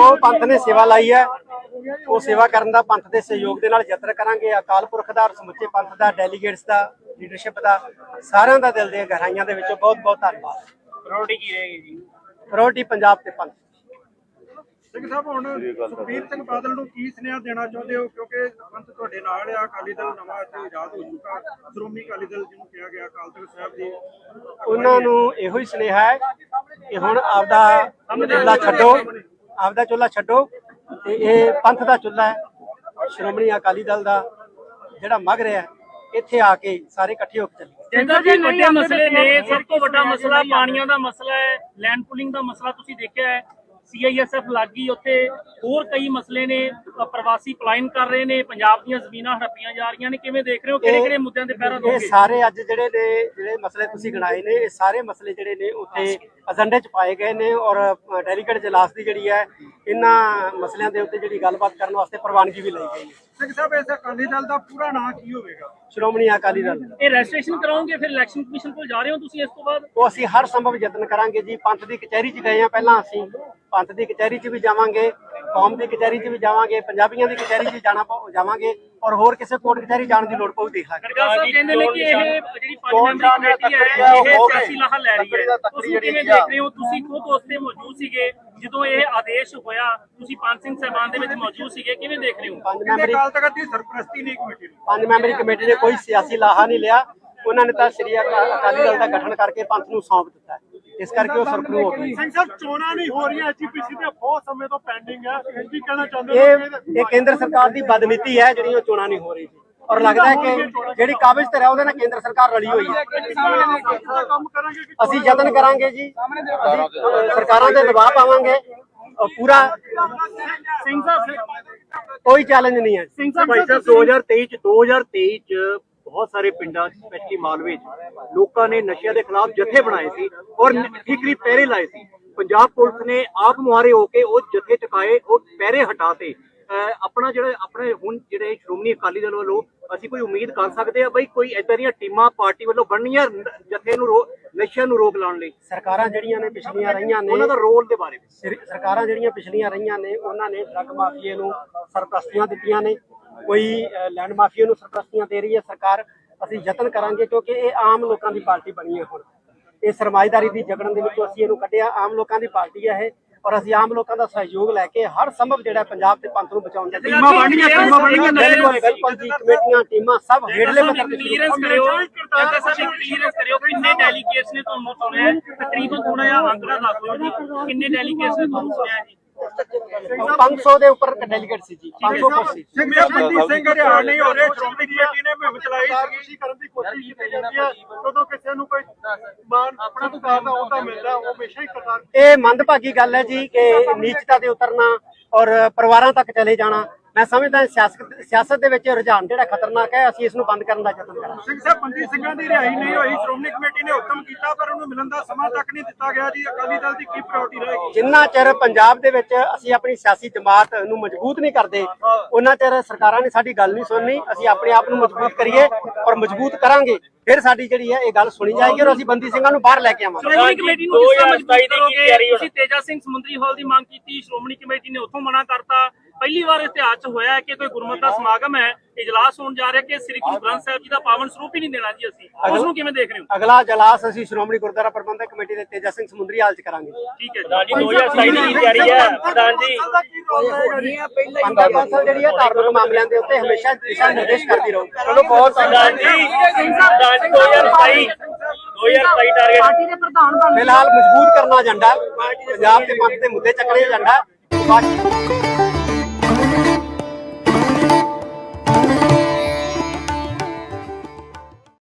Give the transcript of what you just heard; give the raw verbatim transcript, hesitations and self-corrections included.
ਜੋ ਪੰਥ ਨੇ ਸੇਵਾ ਲਾਈ ਹੈ ਉਹ ਸੇਵਾ ਕਰਨ ਦਾ ਪੰਥ ਦੇ ਸਹਿਯੋਗ ਦੇ ਨਾਲ ਯਤਨ ਕਰਾਂਗੇ। ਅਕਾਲ ਪੁਰਖ ਦਾ, ਸਮੁੱਚੇ ਪੰਥ ਦਾ, ਡੈਲੀਗੇਟਸ ਦਾ, ਲੀਡਰਸ਼ਿਪ ਦਾ, ਸਾਰਿਆਂ ਦਾ ਦਿਲ ਦੀਆਂ ਗਹਿਰਾਈਆਂ ਦੇ ਵਿੱਚੋਂ ਬਹੁਤ ਬਹੁਤ ਧੰਨਵਾਦ। ਪ੍ਰਾਇੋਰਟੀ ਕੀ ਰਹੇਗੀ ਜੀ? ਪ੍ਰਾਇੋਰਟੀ ਪੰਜਾਬ ਤੇ ਪੰਥ। ਸਿੰਘ ਸਾਹਿਬ, ਹੁਣ ਸੁਖਬੀਰ ਸਿੰਘ ਬਾਦਲ ਨੂੰ ਕੀ ਸੁਨੇਹਾ ਦੇਣਾ ਚਾਹੁੰਦੇ ਹੋ, ਕਿਉਂਕਿ ਪੰਥ ਤੁਹਾਡੇ ਨਾਲ ਆ, ਅਕਾਲੀ ਦਲ ਨਵਾਂ ਇੱਥੇ ਆਜ਼ਾਦ ਹੋ ਚੁੱਕਾ, ਸ਼੍ਰੋਮਣੀ ਅਕਾਲੀ ਦਲ ਜਿਹਨੂੰ ਕਿਹਾ ਗਿਆ ਅਕਾਲ ਤਖਤ ਸਾਹਿਬ ਦੀ, ਉਹਨਾਂ ਨੂੰ ਇਹੋ ਹੀ ਸੁਨੇਹਾ ਹੈ ਕਿ ਹੁਣ ਆਪਦਾ ਚੁੱਲ੍ਹਾ ਛੱਡੋ, ਆਪਦਾ ਚੁੱਲ੍ਹਾ ਛੱਡੋ ਤੇ ਇਹ ਪੰਥ ਦਾ ਚੁੱਲ੍ਹਾ ਹੈ, ਸ਼੍ਰੋਮਣੀ ਅਕਾਲੀ ਦਲ ਦਾ ਜਿਹੜਾ ਮਗ ਰਿਹਾ ਇੱਥੇ ਆ ਕੇ ਸਾਰੇ ਇਕੱਠੇ ਹੋ ਕੇ ਚੱਲੀਏ। ਜਿੰਦਰ ਜੀ, ਵੱਡੇ ਮਸਲੇ ਨੇ, ਸਭ ਤੋਂ ਵੱਡਾ ਮਸਲਾ ਪਾਣੀਆਂ ਦਾ ਮਸਲਾ ਹੈ, ਲੈਂਡ ਪੁਲਿੰਗ ਦਾ ਮਸਲਾ ਤੁਸੀਂ ਦੇਖਿਆ ਹੈ, ਸੀ ਆਈ ਐਸ ਐਫ ਲੱਗੀ ਉੱਥੇ, ਹੋਰ ਕਈ ਮਸਲੇ ਨੇ, ਪ੍ਰਵਾਸੀ ਪਲਾਇਨ ਕਰ ਰਹੇ ਨੇ, ਪੰਜਾਬ ਦੀਆਂ ਜ਼ਮੀਨਾਂ ਹੜੱਪੀਆਂ ਜਾ ਰਹੀਆਂ ਨੇ, ਕਿਵੇਂ ਦੇਖ ਰਹੇ ਹੋ, ਕਿਹੜੇ ਕਿਹੜੇ ਮੁੱਦਿਆਂ ਤੇ ਪਹਿਰਾ ਦੋਗੇ? ਇਹ ਸਾਰੇ ਅੱਜ ਜਿਹੜੇ ਨੇ ਜਿਹੜੇ ਮਸਲੇ ਤੁਸੀਂ ਗਿਣਾਏ ਨੇ, ਇਹ ਸਾਰੇ ਮਸਲੇ ਜਿਹੜੇ ਨੇ ਉੱਥੇ ਏਜੰਡੇ 'ਚ ਪਾਏ ਗਏ ਨੇ ਔਰ ਡੈਲੀਗੇਟ ਇਜਲਾਸ ਦੀ ਜਿਹੜੀ ਹੈ ਇਹਨਾਂ ਮਸਲਿਆਂ ਦੇ ਉੱਤੇ ਜਿਹੜੀ ਗੱਲਬਾਤ ਕਰਨ ਵਾਸਤੇ ਪ੍ਰਵਾਨਗੀ ਵੀ ਲਈ ਗਈ ਹੈ। ਸਿੰਘ ਸਾਹਿਬ, ਇਸ ਅਕਾਲੀ ਦਲ ਦਾ ਪੂਰਾ ਨਾਂ ਕੀ ਹੋਵੇਗਾ? ਸ਼੍ਰੋਮਣੀ ਅਕਾਲੀ ਦਲ। ਇਹ ਰਜਿਸਟ੍ਰੇਸ਼ਨ ਕਰਾਓਗੇ, ਫਿਰ ਇਲੈਕਸ਼ਨ ਕਮਿਸ਼ਨ ਕੋਲ ਜਾ ਰਹੇ ਹੋ ਤੁਸੀਂ ਇਸ ਤੋਂ ਬਾਅਦ? ਉਹ ਅਸੀਂ ਹਰ ਸੰਭਵ ਯਤਨ ਕਰਾਂਗੇ ਜੀ। ਪੰਥ ਦੀ ਕਚਹਿਰੀ 'ਚ ਗਏ ਆ ਪਹਿਲਾਂ, ਅਸੀਂ ਪੰਥ ਦੀ ਕਚਹਿਰੀ 'ਚ ਵੀ ਜਾਵਾਂਗੇ, ਕੌਮ ਦੀ ਕਚਹਿਰੀ 'ਚ ਵੀ ਜਾਵਾਂਗੇ, ਪੰਜਾਬੀਆਂ ਦੀ ਕਚਹਿਰੀ 'ਚ ਜਾਣਾ ਜਾਵਾਂਗੇ ਔਰ ਹੋਰ ਕਿਸੇ ਕੋਰਟ ਕਚਹਿਰੀ ਜਾਣ ਦੀ ਲੋੜ ਪਊ ਦੇਖ ਲਾਂਗੇ। ਗਰਗਾ ਸਾਹਿਬ ਕਹਿੰਦੇ ਨੇ ਕਿ ਇਹ ਜਿਹੜੀ ਪੰਜ ਮੈਂਬਰੀ ਕਮੇਟੀ ਹੈ ਇਹ ਸਿਆਸੀ ਲਾਹਾ ਲੈ ਰਹੀ ਹੈ, ਤੁਸੀਂ ਕਿਵੇਂ ਦੇਖ ਰਹੇ ਹੋ? ਤੁਸੀਂ ਖੁਦ ਉਸ ਤੇ ਮੌਜੂਦ ਸੀਗੇ ਜਦੋਂ ਇਹ ਆਦੇਸ਼ ਹੋਇਆ, ਤੁਸੀਂ ਪੰਜ ਸਿੰਘ ਸਾਹਿਬਾਨ ਦੇ ਵਿੱਚ ਮੌਜੂਦ ਸੀਗੇ, ਕਿਵੇਂ ਦੇਖ ਰਹੇ ਹੋ? ਪੰਜ ਮੈਂਬਰੀ ਅਕਾਲ ਤਖਤ ਦੀ ਸਰਪ੍ਰਸਤੀ ਨਹੀਂ ਕਮੇਟੀ ਨੂੰ, ਪੰਜ ਮੈਂਬਰੀ ਕਮੇਟੀ ਨੇ ਕੋਈ ਸਿਆਸੀ ਲਾਹਾ ਨਹੀਂ ਲਿਆ। ਉਹਨਾਂ ਨੇ ਤਾਂ ਸ੍ਰੀ ਅਕਾਲੀ ਦਲ ਦਾ ਗਠਨ ਕਰਕੇ ਪੰਥ ਨੂੰ ਸੌਂਪ ਦਿੱਤਾ, ਇਸ ਕਰਕੇ ਉਹ ਸਰਪਰੂ ਹੋ ਗਈ। ਸਿੰਘ ਸਾਹਿਬ, ਚੋਣਾਂ ਨਹੀਂ ਹੋ ਰਹੀਆਂ, ਐਚ ਪੀ ਸੀ ਦੇ ਬਹੁਤ ਸਮੇਂ ਤੋਂ ਪੈਂਡਿੰਗ ਹੈ, ਕੀ ਕਹਿਣਾ ਚਾਹੁੰਦੇ ਇਹ ਇਹ ਕੇਂਦਰ ਸਰਕਾਰ ਦੀ ਬਦਨੀਤੀ ਹੈ ਜਿਹੜੀ ਉਹ ਚੋਣਾਂ ਨਹੀਂ ਹੋ ਰਹੀ ਔਰ ਲੱਗਦਾ ਹੈ ਕਿ ਜਿਹੜੀ ਕਾਬਜ਼ ਤੇ ਹੈ ਉਹਦੇ ਨਾਲ ਕੇਂਦਰ ਸਰਕਾਰ ਰਲੀ ਹੋਈ ਹੈ। ਕੰਮ ਕਰਾਂਗੇ ਕਿ ਅਸੀਂ ਯਤਨ ਕਰਾਂਗੇ ਜੀ, ਅਸੀਂ ਸਰਕਾਰਾਂ ਤੇ ਦਬਾਅ ਪਾਵਾਂਗੇ ਔਰ ਪੂਰਾ ਸਿੰਘ ਸਾਹਿਬ, ਕੋਈ ਚੈਲੰਜ ਨਹੀਂ ਹੈ। ਸਿੰਘ ਸਾਹਿਬ, ਭਾਈ ਸਾਹਿਬ, ਦੋ ਹਜ਼ਾਰ ਤੇਈ ਚ ਦੋ ਹਜ਼ਾਰ ਤੇਈ ਚ ਬਹੁਤ ਸਾਰੇ ਪਿੰਡਾਂ ਸਪੈਸ਼ਲੀ ਮਾਲਵੇ ਚ ਲੋਕਾਂ ਨੇ ਨਸ਼ਿਆਂ ਦੇ ਖਿਲਾਫ ਜਥੇ ਬਣਾਏ ਸੀ ਔਰ ਠੀਕਰੀ ਪਹਿਰੇ ਲਾਏ ਸੀ। ਪੰਜਾਬ ਪੁਲਿਸ ਨੇ ਆਪ ਮੁਹਾਰੇ ਹੋ ਕੇ ਉਹ ਜਥੇ ਚੁਕਾਏ, ਉਹ ਪਹਿਰੇ ਹਟਾਤੇ। ਆਪਣਾ ਜਿਹੜਾ ਆਪਣੇ ਹੁਣ ਜਿਹੜੇ ਸ਼੍ਰੋਮਣੀ ਅਕਾਲੀ ਦਲ ਵੱਲੋਂ ਅਸੀਂ ਕੋਈ ਉਮੀਦ ਕਰ ਸਕਦੇ ਆ ਬਈ ਕੋਈ ਏਦਾਂ ਦੀਆਂ ਟੀਮਾਂ ਪਾਰਟੀ ਵੱਲੋਂ ਬਣਨੀਆਂ ਜਥੇ ਨੂੰ ਨਸ਼ਿਆਂ ਨੂੰ ਰੋਕ ਲਾਉਣ ਲਈ? ਸਰਕਾਰਾਂ ਜਿਹੜੀਆਂ ਨੇ ਪਿਛਲੀਆਂ ਰਹੀਆਂ ਨੇ, ਉਹਨਾਂ ਦਾ ਰੋਲ ਦੇ ਬਾਰੇ ਵਿੱਚ ਸਰਕਾਰਾਂ ਜਿਹੜੀਆਂ ਪਿਛਲੀਆਂ ਰਹੀਆਂ ਨੇ ਉਹਨਾਂ ਨੇ ਡਰੱਗ ਮਾਫੀਏ ਨੂੰ ਸਰਪ੍ਰਸਤੀਆਂ ਦਿੱਤੀਆਂ ਨੇ, ਕੋਈ ਲੈਂਡ ਮਾਫੀਏ ਨੂੰ ਸਰਪ੍ਰਸਤੀਆਂ ਦੇ ਰਹੀ ਹੈ ਸਰਕਾਰ। ਅਸੀਂ ਯਤਨ ਕਰਾਂਗੇ ਕਿਉਂਕਿ ਇਹ ਆਮ ਲੋਕਾਂ ਦੀ ਪਾਰਟੀ ਬਣੀ ਹੈ। ਹੁਣ ਇਹ ਸਰਮਾਏਦਾਰੀ ਦੀ ਜਗੜਨ ਦੇ ਵਿੱਚੋਂ ਅਸੀਂ ਇਹਨੂੰ ਕੱਢਿਆ, ਆਮ ਲੋਕਾਂ ਦੀ ਪਾਰਟੀ ਹੈ ਇਹ ਔਰ ਅਸੀਂ ਆਮ ਲੋਕਾਂ ਦਾ ਸਹਿਯੋਗ ਲੈ ਕੇ ਹਰ ਸੰਭਵ ਜਿਹੜਾ ਪੰਜਾਬ ਤੇ ਪੰਥ ਨੂੰ ਬਚਾਉਣ ਦੀ ਟੀਮਾਂ ਬਣਨੀਆਂ ਟੀਮਾਂ ਬਣਨੀਆਂ ਬਿਲਕੁਲ ਜੀ, ਕਮੇਟੀਆਂ ਟੀਮਾਂ ਸਭ ਹੇਠਲੇ ਪੱਧਰ ਤੇ ਕਲੀਅਰੈਂਸ ਕਰਿਓ, ਜੱਗਾ ਸਾਹਿਬ ਕਲੀਅਰੈਂਸ ਕਰਿਓ, ਕਿੰਨੇ ਡੈਲੀਗੇਟਸ ਨੇ ਤੁਹਾਨੂੰ ਸੁਣਿਆ? ਤਕਰੀਬਨ ਥੋੜਾ ਜਿਹਾ ਅੰਕੜਾ ਦੱਸ ਦਿਓ ਜੀ, ਕਿੰਨੇ ਡੈਲੀਗੇਟਸ ਨੇ ਤੁਹਾਨੂੰ ਸੁਣਿਆ ਜੀ? ਪੰਜ ਸੌ ਦੇ ਉੱਪਰ ਡੈਲੀਗੇਟ ਸੀ ਜੀ, ਪੰਜ ਸੌ ਕੁਰਸੀ। ਸਿੰਘ ਸਾਹਿਬ, ਸਿੰਘ ਹਰਿਆਣ ਨਹੀਂ ਹੋ ਰਹੇ, ਸ਼੍ਰੋਮਣੀ ਕਮੇਟੀ ਨੇ ਮੁਹਿੰਮ ਚਲਾਈ ਸੀ ਕਰਨ ਦੀ ਕੋਸ਼ਿਸ਼ ਕੀਤੀ ਜਾਂਦੀ ਹੈ, ਜਦੋਂ ਕਿਸੇ ਨੂੰ ਕੋਈ ਮਾਨ ਆਪਣਾ ਸਰਕਾਰ ਦਾ ਅਹੁਦਾ ਮਿਲਦਾ ਉਹ ਹਮੇਸ਼ਾ ਹੀ ਕਰਤਾਰ। ਇਹ ਮੰਦਭਾਗੀ ਗੱਲ ਹੈ ਜੀ ਕਿ ਨੀਚਤਾ ਤੇ ਉਤਰਨਾ ਔਰ ਪਰਿਵਾਰਾਂ ਤੱਕ ਚਲੇ ਜਾਣਾ। ਮੈਂ ਸਮਝਦਾ ਸਿਆਸਤ ਸਿਆਸਤ ਦੇ ਵਿੱਚ ਰੁਝਾਨ ਜਿਹੜਾ ਖਤਰਨਾਕ ਹੈ, ਅਸੀਂ ਇਸ ਨੂੰ ਬੰਦ ਕਰਨ ਦਾ ਯਤਨ ਕਰਾਂਗੇ। ਸਿੰਘ ਸਾਹਿਬ, ਪੰਜੀ ਸਿੰਘਾਂ ਦੀ ਰਿਹਾਈ ਨਹੀਂ ਹੋਈ, ਸ਼੍ਰੋਮਣੀ ਕਮੇਟੀ ਨੇ ਹੁਕਮ ਕੀਤਾ ਪਰ ਉਹਨੂੰ ਮਿਲਣ ਦਾ ਸਮਾਂ ਤੱਕ ਨਹੀਂ ਦਿੱਤਾ ਗਿਆ ਜੀ। ਅਕਾਲੀ ਦਲ ਦੀ ਕੀ ਪ੍ਰਾਇੋਰਟੀ ਰਹੇਗੀ? ਜਿੰਨਾ ਚਿਰ ਪੰਜਾਬ ਦੇ ਵਿੱਚ ਅਸੀਂ ਆਪਣੀ ਸਿਆਸੀ ਜਮਾਤ ਨੂੰ ਮਜ਼ਬੂਤ ਨਹੀਂ ਕਰਦੇ ਉਹਨਾਂ ਚਿਰ ਸਰਕਾਰਾਂ ਨੇ ਸਾਡੀ ਗੱਲ ਨਹੀਂ ਸੁਣਨੀ। ਅਸੀਂ ਆਪਣੇ ਆਪ ਨੂੰ ਮਜ਼ਬੂਤ ਕਰੀਏ ਔਰ ਮਜ਼ਬੂਤ ਕਰਾਂਗੇ, ਫਿਰ ਸਾਡੀ ਜਿਹੜੀ ਹੈ ਇਹ ਗੱਲ ਸੁਣੀ ਜਾਏਗੀ ਔਰ ਅਸੀਂ ਬੰਦੀ ਸਿੰਘਾਂ ਨੂੰ ਬਾਹਰ ਲੈ ਕੇ ਆਵਾਂਗੇ। ਸ਼੍ਰੋਮਣੀ ਕਮੇਟੀ ਨੂੰ ਦੋ ਹਜ਼ਾਰ ਸਤਾਈ ਦੀ ਕੀ ਤਿਆਰੀ? ਤੁਸੀਂ ਤੇਜਾ ਸਿੰਘ ਸਮੁੰਦਰੀ ਹਾਲ ਦੀ ਮੰਗ ਕੀਤੀ, ਸ਼੍ਰੋਮਣੀ ਕਮੇਟੀ ਨੇ ਉੱਥੋਂ ਮਨਾ ਕਰਤਾ। ਪਹਿਲੀ ਵਾਰ ਇਤਿਹਾਸ 'ਚ ਹੋਇਆ ਹੈ ਕਿ ਕੋਈ ਗੁਰਮਤਿ ਦਾ ਸਮਾਗਮ ਹੈ, ਇਜਲਾਸ ਹੋਣ ਜਾ ਰਿਹਾ ਕਿ ਸ੍ਰੀ ਗੁਰੂ ਗ੍ਰੰਥ ਸਾਹਿਬ ਜੀ ਦਾ ਪਾਵਨ ਸਰੂਪ ਹੀ ਨਹੀਂ ਦੇਣਾ ਜੀ ਅਸੀਂ, ਉਸ ਨੂੰ ਕਿਵੇਂ ਦੇਖ ਰਹੇ ਹੋ? ਅਗਲਾ ਇਜਲਾਸ ਅਸੀਂ ਸ਼੍ਰੋਮਣੀ ਗੁਰਦੁਆਰਾ ਪ੍ਰਬੰਧਕ ਕਮੇਟੀ ਦੇ ਤੇਜਾ ਸਿੰਘ ਸਮੁੰਦਰੀ ਹਾਲ 'ਚ ਕਰਾਂਗੇ। ਠੀਕ ਹੈ ਜੀ, ਦੋ ਹਜ਼ਾਰ ਸਤਾਈ ਦੀ ਤਿਆਰੀ ਹੈ ਪ੍ਰਧਾਨ ਜੀ। ਪੰਥ ਕੌਂਸਲ ਜਿਹੜੀ ਹੈ ਧਾਰਮਿਕ ਮਾਮਲਿਆਂ ਦੇ ਉੱਤੇ ਹਮੇਸ਼ਾ ਦਿਸ਼ਾ ਨਿਰਦੇਸ਼ ਕਰਦੀ ਰਹੂ। ਚਲੋ ਬਹੁਤ ਪ੍ਰਧਾਨ ਜੀ, ਪ੍ਰਧਾਨ ਜੀ ਦੋ ਹਜ਼ਾਰ ਸਤਾਈ ਦੋ ਹਜ਼ਾਰ ਸਤਾਈ ਟਾਰਗੇਟ ਪਾਰਟੀ ਦੇ ਪ੍ਰਧਾਨ ਫਿਲਹਾਲ ਮਜ਼ਬੂਤ ਕਰਨਾ ਏਜੰਡਾ, ਪੰਜਾਬ ਦੇ ਪੰਥ ਦੇ ਮੁੱਦੇ ਚੱਕਣੇ ਏਜੰਡਾ।